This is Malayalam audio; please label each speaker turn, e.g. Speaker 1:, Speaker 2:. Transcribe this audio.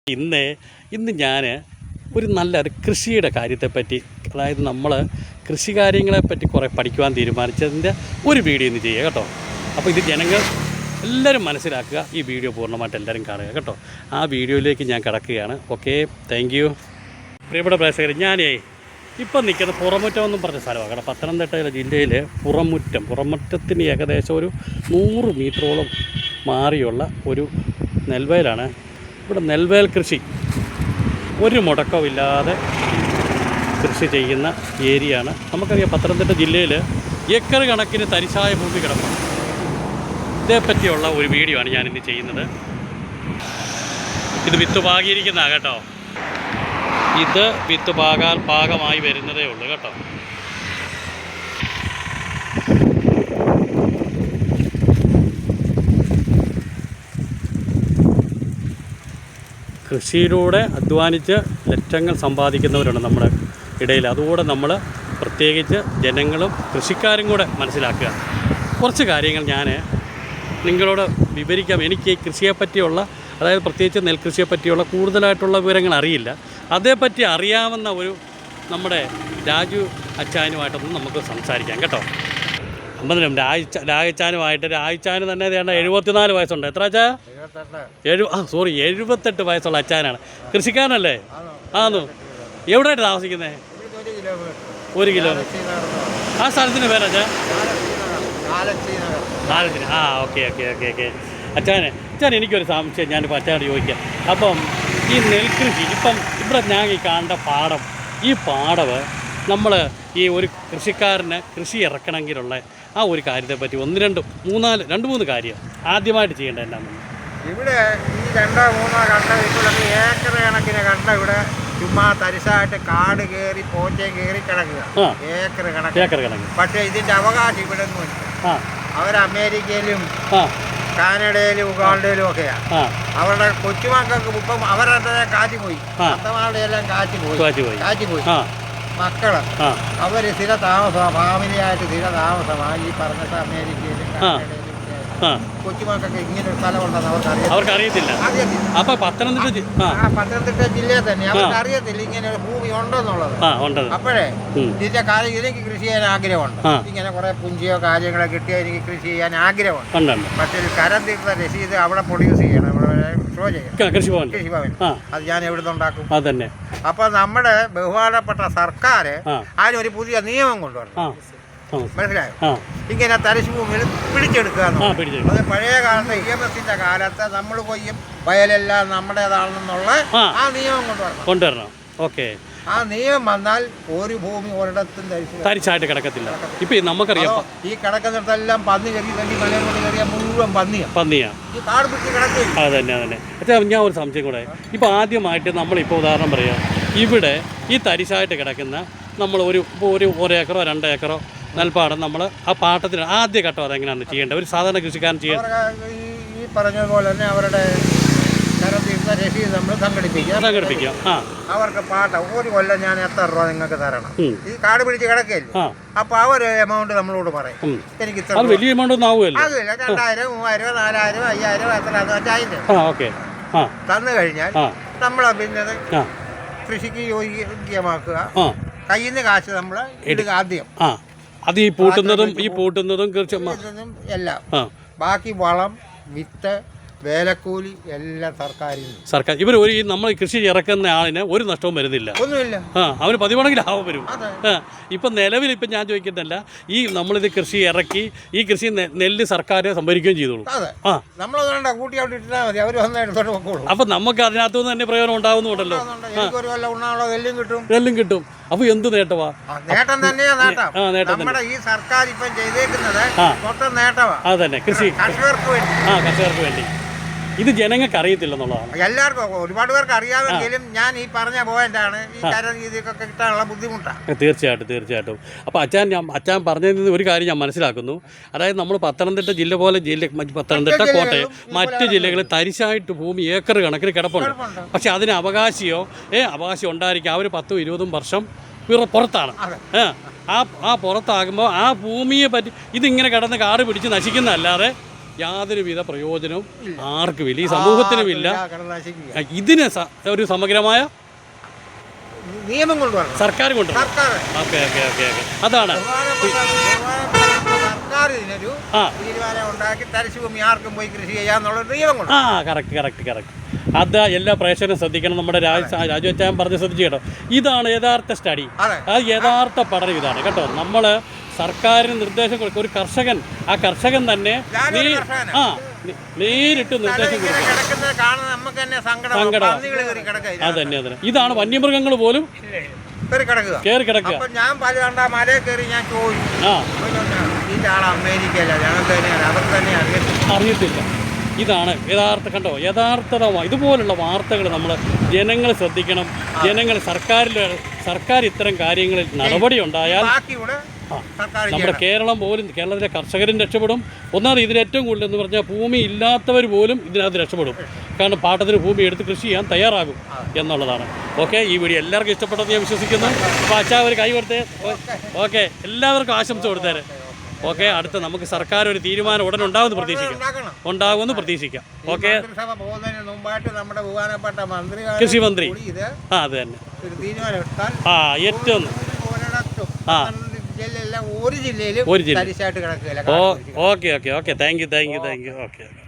Speaker 1: ഇന്ന് ഞാൻ ഒരു നല്ലൊരു കൃഷിയുടെ കാര്യത്തെപ്പറ്റി, അതായത് നമ്മൾ കൃഷി കാര്യങ്ങളെപ്പറ്റി കുറേ പഠിക്കുവാൻ തീരുമാനിച്ചതിൻ്റെ ഒരു വീഡിയോ ഇന്ന് ചെയ്യുക കേട്ടോ. അപ്പോൾ ഇത് ജനങ്ങൾ എല്ലാവരും മനസ്സിലാക്കുക, ഈ വീഡിയോ പൂർണ്ണമായിട്ട് എല്ലാവരും കാണുക കേട്ടോ. ആ വീഡിയോയിലേക്ക് ഞാൻ കിടക്കുകയാണ്. Okay, thank you. പ്രിയപ്പെട്ട പ്രേക്ഷകർ, ഞാനേ ഇപ്പം നിൽക്കുന്ന പുറമുറ്റം എന്നും പറഞ്ഞ സ്ഥലമാണ് കേട്ടോ. പത്തനംതിട്ട ജില്ലയിലെ പുറമുറ്റത്തിന് ഏകദേശം ഒരു 100 മീറ്ററോളം മാറിയുള്ള ഒരു നെൽവയലാണ്. ഇവിടെ നെൽവയൽ കൃഷി ഒരു മുടക്കമില്ലാതെ കൃഷി ചെയ്യുന്ന ഏരിയയാണ്. നമുക്കറിയാം പത്തനംതിട്ട ജില്ലയിൽ ഏക്കർ കണക്കിന് തരിശായ ഭൂമി കിടക്കും. ഇതേപ്പറ്റിയുള്ള ഒരു വീഡിയോ ആണ് ഞാനിന്ന് ചെയ്യുന്നത്. ഇത് വിത്ത് പാകിയിരിക്കുന്നതാണ് കേട്ടോ. ഇത് വിത്ത് പാകമായി വരുന്നതേ ഉള്ളൂ കേട്ടോ. കൃഷിയിലൂടെ അധ്വാനിച്ച് ലക്ഷങ്ങൾ സമ്പാദിക്കുന്നവരുണ്ട് നമ്മുടെ ഇടയിൽ. അതുകൂടെ നമ്മൾ പ്രത്യേകിച്ച് ജനങ്ങളും കൃഷിക്കാരും കൂടെ മനസ്സിലാക്കുക. കുറച്ച് കാര്യങ്ങൾ ഞാൻ നിങ്ങളോട് വിവരിക്കാം. എനിക്ക് ഈ കൃഷിയെപ്പറ്റിയുള്ള, അതായത് പ്രത്യേകിച്ച് നെൽകൃഷിയെപ്പറ്റിയുള്ള കൂടുതലായിട്ടുള്ള വിവരങ്ങൾ അറിയില്ല. അതേപ്പറ്റി അറിയാവുന്ന ഒരു നമ്മുടെ രാജു അച്ചാനുമായിട്ടൊന്ന് നമുക്ക് സംസാരിക്കാം കേട്ടോ. അമ്പതിനും രാജച്ചാനുമായിട്ട്, രാജച്ചാന് തന്നെ വേണ്ട 74 വയസ്സുണ്ട്. എത്ര അച്ഛാ? 78 വയസ്സുള്ള അച്ചാനാണ്. കൃഷിക്കാരനല്ലേ? ആന്നു. എവിടെയായിട്ട് താമസിക്കുന്നത്? 1 കിലോമീറ്റർ. ആ സ്ഥലത്തിന് പേരച്ചാ? നാലത്തിന്. ഓക്കെ. അച്ഛൻ എനിക്കൊരു സംശയം ഞാനിപ്പോൾ അച്ഛനോട് ചോദിക്കാം. അപ്പം ഈ നെൽകൃഷി ഇപ്പം ഇവിടെ ഞാൻ ഈ കാണേണ്ട പാടം, ഈ പാടവ് നമ്മൾ ഈ ഒരു കൃഷിക്കാരന് കൃഷി ഇറക്കണമെങ്കിലുള്ള ആ ഒരു കാര്യത്തെപ്പറ്റി 2-3 കാര്യം ആദ്യമായിട്ട് ചെയ്യേണ്ടത് എന്നാണ്?
Speaker 2: ഇവിടെ ഈ 2-3 കണ്ട വീട്ടിലൊക്കെ ഏക്കർ കണക്കിന് കണ്ട ഇവിടെ ചുമ്മാ തരിശായിട്ട് കാട് കയറി പോച്ചേ കയറി കിടക്കുക. ഏക്കർ കണക്ക്. പക്ഷേ ഇതിൻ്റെ അവകാശം ഇവിടെ ഒന്നുമില്ല. അവർ അമേരിക്കയിലും കാനഡയിലും ഉഗാണ്ടയിലും ഒക്കെയാണ്. അവരുടെ കൊച്ചുമക്കൾക്ക് ഇപ്പം അവരുടെ കാറ്റ് പോയി, അത്തമാരുടെ എല്ലാം കാറ്റ് പോയി. മക്കള് അവര് സ്ഥിര താമസമാണ്, ഫാമിലിയായിട്ട് സ്ഥിര താമസമാണ് ഈ പറഞ്ഞിട്ട് അമേരിക്കയിലും കാനഡയിലും. കൊച്ചുമക്കൾക്ക് ഇങ്ങനെ ഒരു സ്ഥലമുണ്ടെന്ന് അവർക്ക് അറിയത്തില്ല.
Speaker 1: അപ്പൊ പത്തനംതിട്ട
Speaker 2: ജില്ലയിൽ തന്നെ അവർക്ക് അറിയത്തില്ല ഇങ്ങനെ ഒരു ഭൂമി ഉണ്ടെന്നുള്ളത്. അപ്പോഴേ ഇതിന്റെ കാര്യം എനിക്ക് കൃഷി ചെയ്യാൻ ആഗ്രഹമുണ്ട്. ഇങ്ങനെ കുറെ പുഞ്ചിയോ കാര്യങ്ങളോ കിട്ടിയാൽ എനിക്ക് കൃഷി ചെയ്യാൻ ആഗ്രഹമുണ്ട്. പക്ഷേ കരം തീർത്ത രസീത് അവിടെ പ്രൊഡ്യൂസ് ചെയ്യണം, ഷോ ചെയ്യണം കൃഷിഭവൻ. അത് ഞാൻ എവിടെ നിന്നുണ്ടാക്കും? അതന്നെ. അപ്പൊ നമ്മുടെ ബഹുമാനപ്പെട്ട സർക്കാർ അതിനൊരു പുതിയ നിയമം കൊണ്ടുവരണം. മനസ്സിലായോ? ഇങ്ങനെ തരിശ് ഭൂമിയിൽ പിടിച്ചെടുക്കുക. അത് പഴയ കാലത്ത് EMS-ന്റെ കാലത്ത് നമ്മൾ കൊയ്യും വയലെല്ലാം നമ്മുടേതാണെന്നുള്ള ആ നിയമം കൊണ്ടുവരണം.
Speaker 1: ഓക്കെ.
Speaker 2: ആ നിയമം വന്നാൽ ഒരു ഭൂമി ഒരിടത്തും
Speaker 1: തരിശായിട്ട് കിടക്കത്തില്ല. ഇപ്പൊ നമുക്കറിയാം
Speaker 2: ഈ കിടക്കുന്നിടത്തെല്ലാം പന്നി കയറി മലയും കൊണ്ട് കയറിയാൽ മുഴുവൻ പന്നിയാ ഈ കാട് പിടിച്ച് കിടക്കില്ല.
Speaker 1: അതന്നെ. അച്ഛാ, ഞാൻ ഒരു സംശയം കൂടെ. ഇപ്പൊ ആദ്യമായിട്ട് നമ്മളിപ്പോൾ ഉദാഹരണം പറയാം, ഇവിടെ ഈ തരിശായിട്ട് കിടക്കുന്ന നമ്മൾ ഒരു ഏക്കറോ 2 ഏക്കറോ നെൽപ്പാടം നമ്മൾ ആ പാട്ടത്തിന് ആദ്യ ഘട്ടം അതെങ്ങനെയാണ് ചെയ്യേണ്ടത്? ഒരു സാധാരണ കൃഷിക്കാരൻ ചെയ്യാൻ
Speaker 2: ഈ പറഞ്ഞതുപോലെ തന്നെ അവരുടെ രസീത് നമ്മൾ സംഘടിപ്പിക്കാം. അവർക്ക് പാട്ട ഒരു കൊല്ലം ഞാൻ എത്ര രൂപ നിങ്ങൾക്ക് തരണം, ഈ കാട് പിടിച്ച് കിടക്കല്ലേ. അപ്പൊ അവർ എമൗണ്ട് നമ്മളോട് പറയും. എനിക്ക്
Speaker 1: വലിയ എമൗണ്ട് ഒന്നും ആവുമല്ലോ.
Speaker 2: അതില്ല, 2000, 3000, 4000, 5000 എത്ര തന്നു കഴിഞ്ഞാൽ നമ്മളെ പിന്നെ കൃഷിക്ക് യോഗ്യമാക്കുക. കയ്യിൽ നിന്ന് കാശ് നമ്മൾ ഇടുക ആദ്യം.
Speaker 1: അത് ഈ പൂട്ടുന്നതും
Speaker 2: എല്ലാം. ബാക്കി വളം, വിത്ത്, വേലക്കൂലി എല്ലാം സർക്കാർ.
Speaker 1: ഇവർ നമ്മൾ കൃഷി ഇറക്കുന്ന ആളിന് ഒരു നഷ്ടവും വരുന്നില്ല, ഒന്നുമില്ല. അവന് 10 ലാഭം വരും. ഇപ്പം നിലവിൽ ഇപ്പം ഞാൻ ചോദിക്കുന്നില്ല, ഈ നമ്മളിത് കൃഷി ഇറക്കി ഈ കൃഷി നെല്ല് സർക്കാർ സംഭരിക്കുകയും ചെയ്തോളൂ. അപ്പൊ നമുക്ക് അതിനകത്തു നിന്ന് തന്നെ പ്രയോജനം ഉണ്ടാവുന്നുണ്ടല്ലോ. നെല്ലും കിട്ടും. അപ്പൊ എന്ത് നേട്ടമാ?
Speaker 2: നേട്ടം തന്നെയാ. നമ്മുടെ ഈ സർക്കാർ ഇപ്പം ചെയ്തേക്കുന്നത് മൊത്തം നേട്ടമാ.
Speaker 1: അതന്നെ, കൃഷി കർഷകർക്ക് വേണ്ടി. ഇത് ജനങ്ങൾക്ക് അറിയത്തില്ലെന്നുള്ളതാണ്.
Speaker 2: എല്ലാവർക്കും ഒരുപാട് പേർക്ക് അറിയാമെങ്കിലും ഞാൻ ഈ പറഞ്ഞ പോയിന്റാണ് ഈ കാര്യം ഇതൊക്കെ കിട്ടാനുള്ള ബുദ്ധിമുട്ടാണ്.
Speaker 1: തീർച്ചയായിട്ടും. അപ്പോൾ അച്ഛൻ പറഞ്ഞതിൽ നിന്ന് ഒരു കാര്യം ഞാൻ മനസ്സിലാക്കുന്നു. അതായത് നമ്മൾ പത്തനംതിട്ട ജില്ല പോലെ പത്തനംതിട്ട, കോട്ടയം, മറ്റ് ജില്ലകളിൽ തരിശായിട്ട് ഭൂമി ഏക്കർ കണക്കിന് കിടപ്പുണ്ട്. പക്ഷെ അതിന് അവകാശം ഉണ്ടായിരിക്കും. അവർ 10-20 വർഷം പുറത്താണ്. പുറത്താകുമ്പോൾ ആ ഭൂമിയെ പറ്റി ഇതിങ്ങനെ കിടന്ന് കാട് പിടിച്ച് നശിക്കുന്നതല്ലാതെ യാതൊരുവിധ പ്രയോജനവും ആർക്കുമില്ല, ഈ സമൂഹത്തിനുമില്ല. ഇതിന് ഒരു സമഗ്രമായ
Speaker 2: നിയമം കൊണ്ടുവരണം,
Speaker 1: സർക്കാർ കൊണ്ടുവരണം. ഓക്കെ ഓക്കെ ഓക്കെ ഓക്കെ, അതാണ്
Speaker 2: സർക്കാർ ഇതിനൊരു തീരുമാനം ഉണ്ടാക്കി തരിശുഭൂമി ആർക്കും പോയി കൃഷി ചെയ്യാന്നുള്ള നിയമം കൊണ്ട്.
Speaker 1: Correct correct correct. അത് എല്ലാ പ്രേക്ഷകരും ശ്രദ്ധിക്കണം. നമ്മുടെ രാജുവച്ചാൻ പറഞ്ഞ് ശ്രദ്ധിച്ചു കേട്ടോ. ഇതാണ് യഥാർത്ഥ സ്റ്റഡി, അത് യഥാർത്ഥ പഠനം ഇതാണ് കേട്ടോ. നമ്മൾ സർക്കാരിന് നിർദ്ദേശം കൊടുക്കും. ഒരു കർഷകൻ, ആ കർഷകൻ തന്നെ നേരിട്ട് നിർദ്ദേശം കൊടുക്കും. സങ്കടം. അതന്നെ അതന്നെ. ഇതാണ് വന്യമൃഗങ്ങൾ പോലും കയറി കിടക്കുക.
Speaker 2: ഞാൻ പല കണ്ട മലയിൽ കയറി ഞാൻ ചോദിച്ചു, അമേരിക്കയില്ല, അവർ തന്നെ
Speaker 1: അറിയത്തില്ല. ഇതാണ് യഥാർത്ഥ, കണ്ടോ, യഥാർത്ഥതമാണ്. ഇതുപോലുള്ള വാർത്തകൾ നമ്മൾ ജനങ്ങൾ ശ്രദ്ധിക്കണം. ജനങ്ങൾ സർക്കാർ ഇത്തരം കാര്യങ്ങളിൽ നടപടി ഉണ്ടായാൽ നമ്മുടെ കേരളം പോലും, കേരളത്തിലെ കർഷകരും രക്ഷപ്പെടും. ഒന്നാമത് ഇതിൽ ഏറ്റവും കൂടുതൽ എന്ന് പറഞ്ഞാൽ ഭൂമി ഇല്ലാത്തവർ പോലും ഇതിനകത്ത് രക്ഷപ്പെടും. കാരണം പാട്ടത്തിന് ഭൂമി എടുത്ത് കൃഷി ചെയ്യാൻ തയ്യാറാകും എന്നുള്ളതാണ്. ഓക്കെ, ഈ വീഡിയോ എല്ലാവർക്കും ഇഷ്ടപ്പെട്ടെന്ന് ഞാൻ വിശ്വസിക്കുന്നു. അപ്പോൾ അച്ഛാ ഒരു കൈ കൊടുത്തേ. ഓക്കെ, എല്ലാവർക്കും ആശംസ കൊടുത്തേരെ. ഓക്കെ, അടുത്ത നമുക്ക് സർക്കാർ ഒരു തീരുമാനം ഉടനെ ഉണ്ടാകുമെന്ന് പ്രതീക്ഷിക്കാം. ഓക്കെ, കൃഷി മന്ത്രി അത് തന്നെ ഏറ്റവും
Speaker 2: ഒരു ജില്ലയിലും
Speaker 1: okay okay okay, thank you. Okay.